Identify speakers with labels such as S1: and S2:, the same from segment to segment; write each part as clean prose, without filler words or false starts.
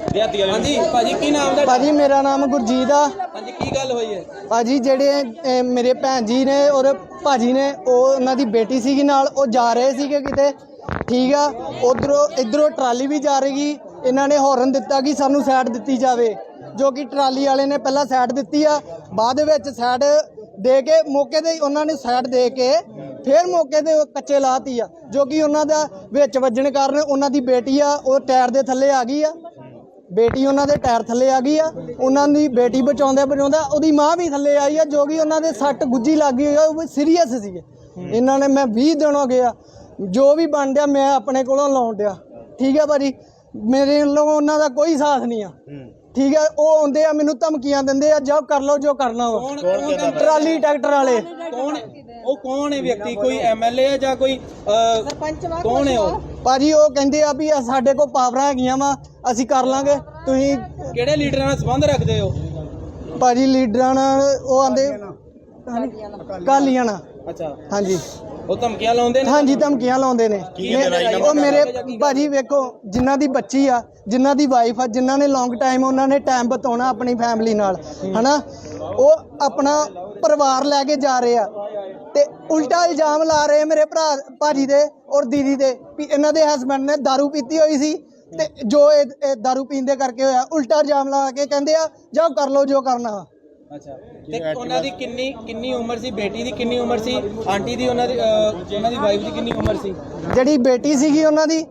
S1: ਦਿਹਾਤੀ ਵਾਲੇ। ਹਾਂਜੀ ਭਾਜੀ ਕੀ ਨਾਮ ਦਾ?
S2: ਭਾਜੀ ਮੇਰਾ ਨਾਮ ਗੁਰਜੀਤ ਆ।
S1: ਹਾਂਜੀ ਕੀ ਗੱਲ ਹੋਈ ਹੈ
S2: ਭਾਜੀ ਜਿਹੜੇ ਮੇਰੇ ਭੈਣ ਜੀ ਨੇ ਔਰ ਭਾਜੀ ਨੇ ਉਹਨਾਂ ਦੀ ਬੇਟੀ ਸੀਗੀ ਨਾਲ, ਉਹ ਜਾ ਰਹੇ ਸੀਗੇ ਕਿਤੇ, ਠੀਕ ਆ। ਇੱਧਰੋਂ ਟਰਾਲੀ ਵੀ ਜਾ ਰਹੀ, ਇਹਨਾਂ ਨੇ ਹੌਰਨ ਦਿੱਤਾ ਕਿ ਸਾਨੂੰ ਸਾਈਡ ਦਿੱਤੀ ਜਾਵੇ, ਜੋ ਕਿ ਟਰਾਲੀ ਵਾਲੇ ਨੇ ਪਹਿਲਾਂ ਸਾਈਡ ਦਿੱਤੀ ਆ, ਬਾਅਦ ਵਿੱਚ ਸਾਈਡ ਦੇ ਕੇ ਮੌਕੇ 'ਤੇ ਉਹਨਾਂ ਨੇ ਸਾਈਡ ਦੇ ਕੇ ਫਿਰ ਮੌਕੇ 'ਤੇ ਕੱਚੇ ਲਾਤੀ ਆ, ਜੋ ਕਿ ਉਹਨਾਂ ਦਾ ਵਿੱਚ ਵੱਜਣ ਕਾਰਨ ਉਹਨਾਂ ਦੀ ਬੇਟੀ ਆ ਉਹ ਟਾਇਰ ਦੇ ਥੱਲੇ ਆ ਗਈ ਆ। ਬੇਟੀ ਉਹਨਾਂ ਦੇ ਟਾਇਰ ਥੱਲੇ ਆ ਗਈ ਆ। ਉਹਨਾਂ ਦੀ ਬੇਟੀ ਬਚਾਉਂਦਾ ਉਹਦੀ ਮਾਂ ਵੀ ਥੱਲੇ ਆਈ ਆ, ਜੋ ਕਿ ਉਹਨਾਂ ਦੇ ਸੱਟ ਗੁੱਜੀ ਲੱਗ ਗਈ ਆ, ਉਹ ਸੀਰੀਅਸ ਸੀਗੇ। ਇਹਨਾਂ ਨੇ ਮੈਂ 20 ਦਿਨ ਹੋ ਗਏ ਆ, ਜੋ ਵੀ ਬਣ ਡਿਆ ਮੈਂ ਆਪਣੇ ਕੋਲੋਂ ਲਾਉਣ ਡਿਆ, ਠੀਕ ਆ ਭਾਜੀ। ਮੇਰੇ ਵੱਲੋਂ ਉਹਨਾਂ ਦਾ ਕੋਈ ਸਾਥ ਨਹੀਂ ਆ, ਠੀਕ ਹੈ। ਉਹ ਆਉਂਦੇ ਆ ਮੈਨੂੰ ਧਮਕੀਆਂ ਦਿੰਦੇ ਆ, ਜੋ ਕਰ ਲਓ ਜੋ ਕਰਨਾ ਵਾ। ਟਰਾਲੀ ਟਰੈਕਟਰ ਵਾਲੇ
S1: ਕੌਣ ਹੈ ਵਿਅਕਤੀ? ਕੋਈ ਐਮਐਲਏ ਹੈ ਜਾਂ ਕੋਈ ਸਰਪੰਚ? ਕੌਣ ਹੈ ਉਹ
S2: ਭਾਜੀ? ਉਹ ਕਹਿੰਦੇ ਆ ਵੀ ਸਾਡੇ ਕੋਲ ਪਾਵਰਾਂ ਹੈਗੀਆਂ ਵਾ, ਅਸੀਂ ਕਰ ਲਾਂਗੇ। ਤੁਸੀਂ
S1: ਕਿਹੜੇ ਲੀਡਰਾਂ ਨਾਲ ਸੰਬੰਧ ਰੱਖਦੇ ਹੋ
S2: ਭਾਜੀ? ਲੀਡਰਾਂ ਨਾਲ ਉਹ ਆਂਦੇ ਕਾਲੀਆਂ ਨਾਲ।
S1: ਅੱਛਾ
S2: ਹਾਂਜੀ,
S1: ਉਹ ਧਮਕੀਆਂ ਲਾਉਂਦੇ ਨੇ?
S2: ਹਾਂਜੀ ਧਮਕੀਆਂ ਲਾਉਂਦੇ ਨੇ। ਉਹ ਮੇਰੇ ਭਾਜੀ ਵੇਖੋ, ਜਿਨ੍ਹਾਂ ਦੀ ਬੱਚੀ ਆ, ਜਿਨ੍ਹਾਂ ਦੀ ਵਾਈਫ ਆ, ਜਿਨ੍ਹਾਂ ਨੇ ਲੌਂਗ ਟਾਈਮ ਉਹਨਾਂ ਨੇ ਟਾਈਮ ਬਿਤਾਉਣਾ ਆਪਣੀ ਫੈਮਿਲੀ ਨਾਲ, ਹਨਾ, ਉਹ ਆਪਣਾ ਪਰਿਵਾਰ ਲੈ ਕੇ ਜਾ ਰਹੇ ਆ ਤੇ ਉਲਟਾ ਇਲਜ਼ਾਮ ਲਾ ਰਹੇ ਮੇਰੇ ਭਰਾ ਭਾਜੀ ਦੇ ਔਰ ਦੀਦੀ ਦੇ ਵੀ ਇਹਨਾਂ ਦੇ ਹਸਬੈਂਡ ਨੇ ਦਾਰੂ ਪੀਤੀ ਹੋਈ ਸੀ ਤੇ ਜੋ ਇਹ ਦਾਰੂ ਪੀਣ ਦੇ ਕਰਕੇ ਹੋਇਆ। ਉਲਟਾ ਇਲਜ਼ਾਮ ਲਾ ਕੇ ਕਹਿੰਦੇ ਆ ਜਾਓ ਕਰ ਲਓ ਜੋ ਕਰਨਾ।
S1: ਅੱਛਾ, ਤੇ ਉਹਨਾਂ ਦੀ ਕਿੰਨੀ ਉਮਰ ਸੀ? ਬੇਟੀ ਦੀ ਕਿੰਨੀ ਉਮਰ ਸੀ? ਆਂਟੀ ਦੀ ਉਹਨਾਂ ਦੀ ਵਾਈਫ ਦੀ ਕਿੰਨੀ ਉਮਰ ਸੀ?
S2: ਜਿਹੜੀ ਬੇਟੀ ਸੀਗੀ ਉਹਨਾਂ ਦੀ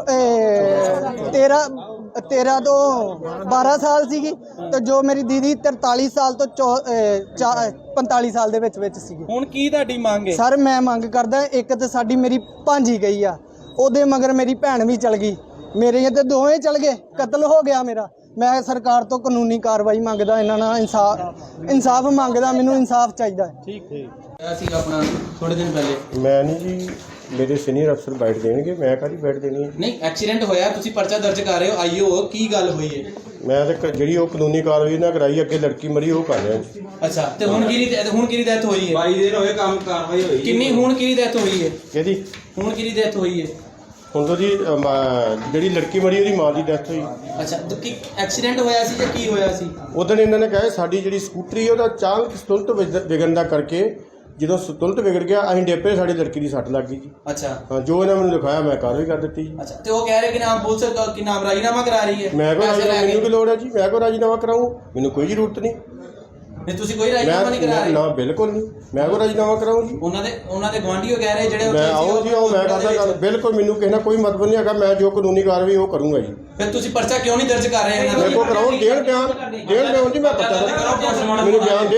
S2: 13 ਤੋਂ 12 ਸਾਲ ਸੀਗੀ, ਤੇ ਜੋ ਮੇਰੀ ਦੀਦੀ 43 ਸਾਲ ਤੋਂ 45 ਸਾਲ ਦੇ ਵਿੱਚ ਸੀਗੀ।
S1: ਹੁਣ ਕੀ ਤੁਹਾਡੀ ਮੰਗ ਹੈ?
S2: ਸਰ ਮੈਂ ਮੰਗ ਕਰਦਾ, ਇੱਕ ਤੇ ਸਾਡੀ ਮੇਰੀ ਭਾਂਜੀ ਗਈ ਆ, ਉਹਦੇ ਮਗਰ ਮੇਰੀ ਭੈਣ ਵੀ ਚਲ ਗਈ, ਮੇਰੇ ਤੇ ਦੋਵੇਂ ਚਲ ਗਏ, ਕਤਲ ਹੋ ਗਿਆ ਮੇਰਾ। ਮੈਂ ਸਰਕਾਰ ਤੋਂ ਕਾਨੂੰਨੀ ਕਾਰਵਾਈ ਮੰਗਦਾ, ਇਹਨਾਂ ਨਾਲ ਇਨਸਾਫ ਮੰਗਦਾ, ਮੈਨੂੰ ਇਨਸਾਫ ਚਾਹੀਦਾ।
S1: ਠੀਕ ਅਸੀਂ ਆਪਣਾ ਥੋੜੇ ਦਿਨ ਪਹਿਲੇ
S3: ਮੈਂ ਨਹੀਂ ਜੀ, ਮੇਰੇ ਸੀਨੀਅਰ ਅਫਸਰ ਬੈਠ ਦੇਣਗੇ, ਮੈਂ ਕਾਹਦੀ ਬੈਠ ਦੇਣੀ ਹੈ?
S1: ਨਹੀਂ, ਐਕਸੀਡੈਂਟ ਹੋਇਆ, ਤੁਸੀਂ ਪਰਚਾ ਦਰਜ ਕਰ ਰਹੇ ਹੋ, ਆਈਓ ਕੀ ਗੱਲ ਹੋਈ ਹੈ?
S3: ਮੈਂ ਤਾਂ ਜਿਹੜੀ ਉਹ ਕਾਨੂੰਨੀ ਕਾਰਵਾਈ ਨਾ ਕਰਾਈ, ਅੱਗੇ ਲੜਕੀ ਮਰੀ ਉਹ ਕਰ ਰਿਹਾ ਜੀ।
S1: ਅੱਛਾ, ਤੇ ਹੁਣ ਕਿਹਦੀ ਡੈਥ ਹੋਈ ਹੈ? 22 ਦਿਨ ਹੋਏ ਕੰਮ ਕਾਰਵਾਈ ਹੋਈ ਕਿੰਨੀ? ਹੁਣ ਕਿਹਦੀ ਡੈਥ ਹੋਈ ਹੈ?
S3: ਕਿਹਦੀ?
S1: ਹੁਣ ਕਿਹਦੀ ਡੈਥ ਹੋਈ ਹੈ?
S3: ਹੁਣ ਤਾਂ ਜੀ ਜਿਹੜੀ ਲੜਕੀ ਮਰੀ ਉਹਦੀ ਮਾਂ ਦੀ ਡੈਥ ਹੋਈ।
S1: ਅੱਛਾ, ਤਾਂ ਕੀ ਐਕਸੀਡੈਂਟ ਹੋਇਆ ਸੀ ਜਾਂ ਕੀ ਹੋਇਆ ਸੀ?
S3: ਉਦੋਂ ਇਹਨਾਂ ਨੇ ਕਿਹਾ ਸਾਡੀ ਜਿਹੜੀ ਸਕੂਟਰੀ ਉਹਦਾ ਅਚਾਨਕ ਸੰਤੁਲਤ ਵਿਗੜਨ ਦਾ ਕਰਕੇ, ਜਦੋਂ ਸੰਤੁਲਤ ਵਿਗੜ ਗਿਆ ਅਸੀਂ ਡੇਪੇ, ਸਾਡੀ ਲੜਕੀ ਦੀ ਸੱਟ ਲੱਗ ਗਈ ਜੀ।
S1: ਅੱਛਾ,
S3: ਹਾਂ, ਜੋ ਇਹਨਾਂ ਮੈਨੂੰ ਦਿਖਾਇਆ ਮੈਂ ਕਾਰਵਾਈ ਕਰ ਦਿੱਤੀ ਜੀ।
S1: ਅੱਛਾ, ਤੇ ਉਹ ਕਹਿ ਰਹੇ ਕਿ ਨਾਮ ਪੁਲਿਸ ਕਿ ਨਾਮ ਰਾਜੀਨਾਮਾ ਕਰਾ ਰਹੀ ਹੈ?
S3: ਮੈਂ ਕੋਈ ਮੈਨੂੰ ਕੀ ਲੋੜ ਹੈ ਜੀ? ਮੈਂ ਕੋਈ ਰਾਜੀਨਾਮਾ ਕਰਾਊਂ? ਮੈਨੂੰ ਕੋਈ ਜ਼ਰੂਰਤ ਨਹੀਂ।
S1: ਨਹੀਂ, ਤੁਸੀਂ ਕੋਈ ਰਾਜੀਨਾਮਾ ਨਹੀਂ ਕਰਾ ਰਹੇ?
S3: ਨਾ, ਬਿਲਕੁਲ ਨਹੀਂ, ਮੈਂ ਕੋਈ ਰਾਜੀਨਾਮਾ ਕਰਾਊਂ ਜੀ?
S1: ਉਹਨਾਂ ਦੇ ਗਵਾਂਢੀਓ ਕਹਿ ਰਹੇ ਜਿਹੜੇ
S3: ਮੈਂ ਆਓ ਜੀ, ਆਓ, ਮੈਂ ਕਰਦਾ ਗੱਲ। ਬਿਲਕੁਲ ਮੈਨੂੰ ਕਿਸੇ ਨਾਲ ਕੋਈ ਮਤਲਬ ਨਹੀਂ ਹੈਗਾ, ਮੈਂ ਜੋ ਕਾਨੂੰਨੀ ਕਾਰਵਾਈ ਉਹ ਕਰੂੰਗਾ ਜੀ।
S1: ਫਿਰ ਤੁਸੀਂ ਪਰਚਾ ਕਿਉਂ ਨਹੀਂ ਦਰਜ ਕਰ ਰਹੇ ਇਹਨਾਂ ਦਾ?
S3: ਮੇਰੇ ਕੋਲ ਕਰਾਓ, ਡੇਢ ਬਿਆਨ ਜੀ, ਮੈਂ ਪਤਾ ਮੈਨੂੰ ਬਿਆਨ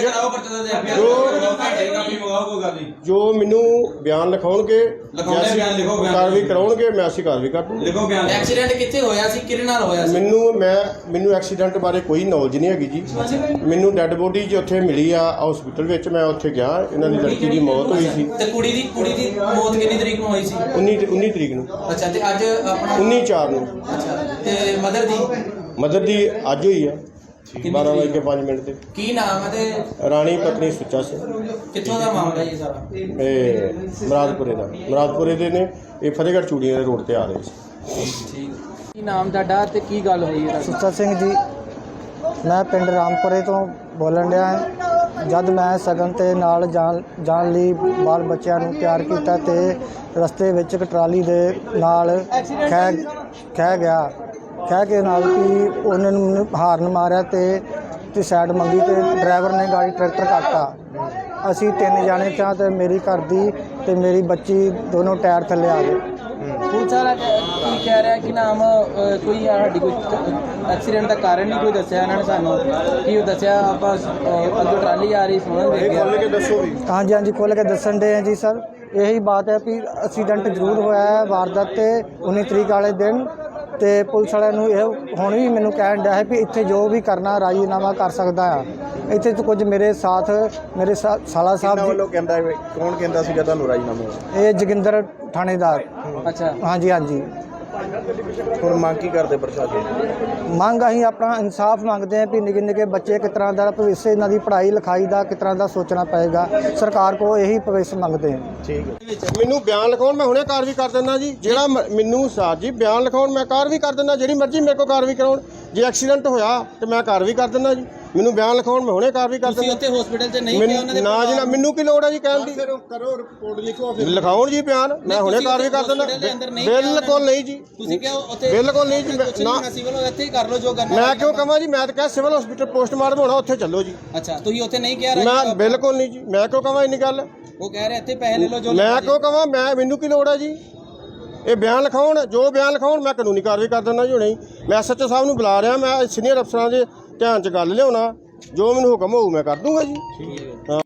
S3: ਜੋ ਮੈਨੂੰ ਬਿਆਨ ਲਿਖਾਉਣਗੇ, ਕਾਰਵਾਈ ਕਰਾਉਣਗੇ, ਮੈਂ ਅਸੀਂ ਕਾਰਵਾਈ ਕਰ ਦੂੰਗਾ।
S1: ਐਕਸੀਡੈਂਟ ਕਿੱਥੇ ਹੋਇਆ ਸੀ? ਕਿਹਦੇ ਨਾਲ ਹੋਇਆ ਸੀ?
S3: ਮੈਨੂੰ ਐਕਸੀਡੈਂਟ ਬਾਰੇ ਕੋਈ ਨੌਲੇਜ ਨਹੀਂ ਹੈਗੀ ਜੀ। ਮੈਨੂੰ ਡੈੱਡ ਬੋਡੀ ਜੀ ਉੱਥੇ ਮਿਲੀ ਆ ਹਸਪੀਟਲ ਵਿੱਚ, ਮੈਂ ਉੱਥੇ ਗਿਆ, ਇਹਨਾਂ ਦੀ ਲੜਕੀ ਦੀ ਮੌਤ ਹੋਈ ਸੀ।
S1: ਤੇ ਕੁੜੀ ਦੀ ਮੌਤ ਕਿੰਨੀ ਤਰੀਕ ਨੂੰ ਹੋਈ ਸੀ?
S3: 19 ਤਰੀਕ ਨੂੰ।
S1: ਅੱਛਾ, ਤੇ ਅੱਜ ਆਪਣਾ
S3: 19/4 ਨੂੰ।
S1: ਅੱਛਾ, ਤੇ ਮਦਰ ਦੀ
S3: ਅੱਜ ਹੋਈ ਆ 12:05 ਤੇ।
S1: ਕੀ ਨਾਮ ਹੈ ਤੇ?
S3: ਰਾਣੀ ਪਤਨੀ ਸੁੱਚਾ ਸਿੰਘ।
S1: ਕਿੱਥੋਂ ਦਾ ਮਾਮਲਾ ਜੀ ਸਾਰਾ?
S3: ਇਹ ਮੁਰਾਦਪੁਰੇ ਦੇ ਨੇ, ਇਹ ਫਤਿਹਗੜ੍ਹ ਚੂੜੀਆਂ ਦੇ ਰੋਡ ਤੇ ਆ ਰਹੇ ਸੀ।
S1: ਠੀਕ, ਕੀ ਨਾਮ ਤੁਹਾਡਾ ਤੇ ਕੀ ਗੱਲ ਹੋਈ ਹੈ?
S2: ਸੁੱਚਾ ਸਿੰਘ ਜੀ, ਮੈਂ ਪਿੰਡ ਰਾਮਪੁਰੇ ਤੋਂ ਬੋਲਣ ਡਿਆ ਹਾਂ। ਜਦ ਮੈਂ ਸਗਨ ਤੇ ਨਾਲ ਜਾਣ ਲਈ ਬਾਲ ਬੱਚਿਆਂ ਨੂੰ ਤਿਆਰ ਕੀਤਾ ਤੇ ਰਸਤੇ ਵਿੱਚ ਇੱਕ ਟਰਾਲੀ ਦੇ ਨਾਲ ਖਹਿ ਕੇ ਨਾਲ ਕਿ ਉਹਨਾਂ ਨੂੰ ਹਾਰਨ ਮਾਰਿਆ ਤੇ ਸਾਈਡ ਮੰਗੀ ਤੇ ਡਰਾਈਵਰ ਨੇ ਗਾੜੀ ਟਰੈਕਟਰ ਕੱਟਤਾ। ਅਸੀਂ 3 ਜਾਣੇ ਚਾਂ ਤੇ ਮੇਰੀ ਘਰ ਦੀ ਤੇ ਮੇਰੀ ਬੱਚੀ ਦੋਨੋਂ ਟਾਇਰ ਥੱਲੇ ਆ ਗਏ।
S1: ਪੁਲਿਸ ਵਾਲਾ ਕੀ ਕਹਿ ਰਿਹਾ ਕਿ ਨਾਮ ਕੋਈ ਸਾਡੀ ਕੋਈ ਐਕਸੀਡੈਂਟ ਦਾ ਕਾਰਨ ਨਹੀਂ ਕੋਈ ਦੱਸਿਆ ਇਹਨਾਂ ਨੇ ਸਾਨੂੰ? ਕੀ ਉਹ ਦੱਸਿਆ ਆਪਾਂ ਅੱਗੇ ਟਰਾਲੀ ਆ ਰਹੀ ਸੁਣਨ ਦੇ ਗਿਆ?
S2: ਹਾਂਜੀ ਖੁੱਲ੍ਹ ਕੇ ਦੱਸਣ ਦੇ ਆ ਜੀ ਸਰ। ਇਹੀ ਬਾਤ ਹੈ ਵੀ ਐਕਸੀਡੈਂਟ ਜ਼ਰੂਰ ਹੋਇਆ ਹੈ ਵਾਰਦਾਤ ਤੇ 19 ਤਰੀਕ ਵਾਲੇ ਦਿਨ, ਤੇ ਪੁਲਿਸ ਵਾਲਿਆਂ ਨੂੰ ਇਹ ਹੁਣ ਵੀ ਮੈਨੂੰ ਕਹਿਣ ਡਿਆ ਹੈ ਵੀ ਇੱਥੇ ਜੋ ਵੀ ਕਰਨਾ ਰਾਜੀਨਾਮਾ ਕਰ ਸਕਦਾ ਆ। ਇੱਥੇ ਤੋਂ ਕੁਝ ਮੇਰੇ ਸਾਥ ਮੇਰੇ ਸਾਲਾ ਸਾਹਿਬ
S3: ਵੱਲੋਂ ਕਹਿੰਦਾ, ਕੌਣ ਕਹਿੰਦਾ ਸੀਗਾ ਤੁਹਾਨੂੰ ਰਾਜੀਨਾਮਾ?
S2: ਇਹ ਜੋਗਿੰਦਰ ਥਾਣੇਦਾਰ।
S1: ਅੱਛਾ,
S2: ਹਾਂਜੀ।
S3: ਹੁਣ ਮੰਗ ਕੀ ਕਰਦੇ ਪ੍ਰਸ਼ਾਸਨ?
S2: ਮੰਗ ਅਸੀਂ ਆਪਣਾ ਇਨਸਾਫ ਮੰਗਦੇ ਹਾਂ ਵੀ ਨਿੱਕੇ ਬੱਚੇ ਕਿਸ ਤਰ੍ਹਾਂ ਦਾ ਭਵਿੱਖ, ਇਹਨਾਂ ਦੀ ਪੜ੍ਹਾਈ ਲਿਖਾਈ ਦਾ ਕਿਸ ਤਰ੍ਹਾਂ ਦਾ ਸੋਚਣਾ ਪਏਗਾ। ਸਰਕਾਰ ਕੋਲ ਇਹੀ ਭਵਿੱਖ ਮੰਗਦੇ ਹਾਂ।
S3: ਠੀਕ ਹੈ, ਮੈਨੂੰ ਬਿਆਨ ਲਿਖਾਉਣ, ਮੈਂ ਹੁਣੇ ਕਾਰਵਾਈ ਕਰ ਦਿੰਦਾ ਜੀ। ਜਿਹੜਾ ਮੈਨੂੰ ਸਾਥ ਜੀ ਬਿਆਨ ਲਿਖਾਉਣ, ਮੈਂ ਕਾਰਵਾਈ ਕਰ ਦਿੰਦਾ, ਜਿਹੜੀ ਮਰਜ਼ੀ ਮੇਰੇ ਕੋਲ ਕਾਰਵਾਈ ਕਰਾਉਣ। ਜੇ ਐਕਸੀਡੈਂਟ ਹੋਇਆ ਤੇ ਮੈਂ ਕਾਰਵਾਈ ਕਰ ਦਿੰਦਾ ਜੀ। ਮੈਨੂੰ ਬਿਆਨ ਲਿਖਾਉਣ, ਮੈਂ ਹੁਣੇ ਕਾਰਵਾਈ ਕਰ
S1: ਤੁਸੀਂ
S3: ਦਿੰਦਾ।
S1: ਉੱਥੇ ਹਸਪੀਟਲ 'ਚ ਨਹੀਂ ਕਿਹਾ ਉਹਨਾਂ ਦੇ
S3: ਨਾ ਜੀ ਨਾ, ਮੈਨੂੰ ਕੀ ਲੋੜ ਹੈ ਜੀ ਕਹਿਣ ਦੀ।
S4: ਕਰੋ ਰਿਪੋਰਟ ਲਿਖੋ
S3: ਲਿਖਾਉਣ ਜੀ ਬਿਆਨ, ਮੈਂ ਹੁਣੇ ਕਾਰਵਾਈ ਕਰ ਦਿੰਦਾ। ਬਿਲਕੁਲ ਨਹੀਂ ਜੀ,
S1: ਤੁਸੀਂ ਕਿਹਾ ਉੱਥੇ
S3: ਬਿਲਕੁਲ ਨਹੀਂ ਜੀ। ਨਾ
S1: ਸਿਵਲ ਇੱਥੇ ਹੀ ਕਰ ਲਓ ਜੋ ਕਰਨਾ।
S3: ਮੈਂ ਕਿਉਂ ਕਹਾਂ ਜੀ, ਮੈਂ ਤਾਂ ਕਿਹਾ ਸਿਵਲ ਹਸਪੀਟਲ ਪੋਸਟਮਾਰਟਮ ਹੋਣਾ, ਉੱਥੇ ਚੱਲੋ ਜੀ।
S1: ਅੱਛਾ, ਤੁਸੀਂ ਉੱਥੇ ਨਹੀਂ ਕਿਹਾ
S3: ਮੈਂ ਬਿਲਕੁਲ ਨਹੀਂ ਜੀ, ਮੈਂ ਕਿਉਂ ਕਹਾਂ ਇੰਨੀ ਗੱਲ।
S1: ਉਹ ਕਹਿ ਰਹੇ ਇੱਥੇ ਪੈਸੇ ਲੈ ਲਓ ਜੋ
S3: ਮੈਂ ਕਿਉਂ ਕਹਾਂ, ਮੈਨੂੰ ਕੀ ਲੋੜ ਹੈ ਜੀ। ਇਹ ਬਿਆਨ ਲਿਖਾਉਣ, ਜੋ ਬਿਆਨ ਲਿਖਾਉਣ ਮੈਂ ਕਾਨੂੰਨੀ ਕਾਰਵਾਈ ਕਰ ਦਿੰਦਾ ਜੀ ਹੁਣੇ ਹੀ। ਮੈਂ SHO ਸਾਹਿਬ ਨੂੰ ਬੁਲਾ ਰਿਹਾ, ਮੈਂ ਸੀਨੀਅਰ ਅਫਸਰਾਂ ਦੇ ਧਿਆਨ 'ਚ ਗੱਲ ਲਿਆਉਣਾ, ਜੋ ਮੈਨੂੰ ਹੁਕਮ ਹੋਊ ਮੈਂ ਕਰ ਦੂੰਗਾ ਜੀ।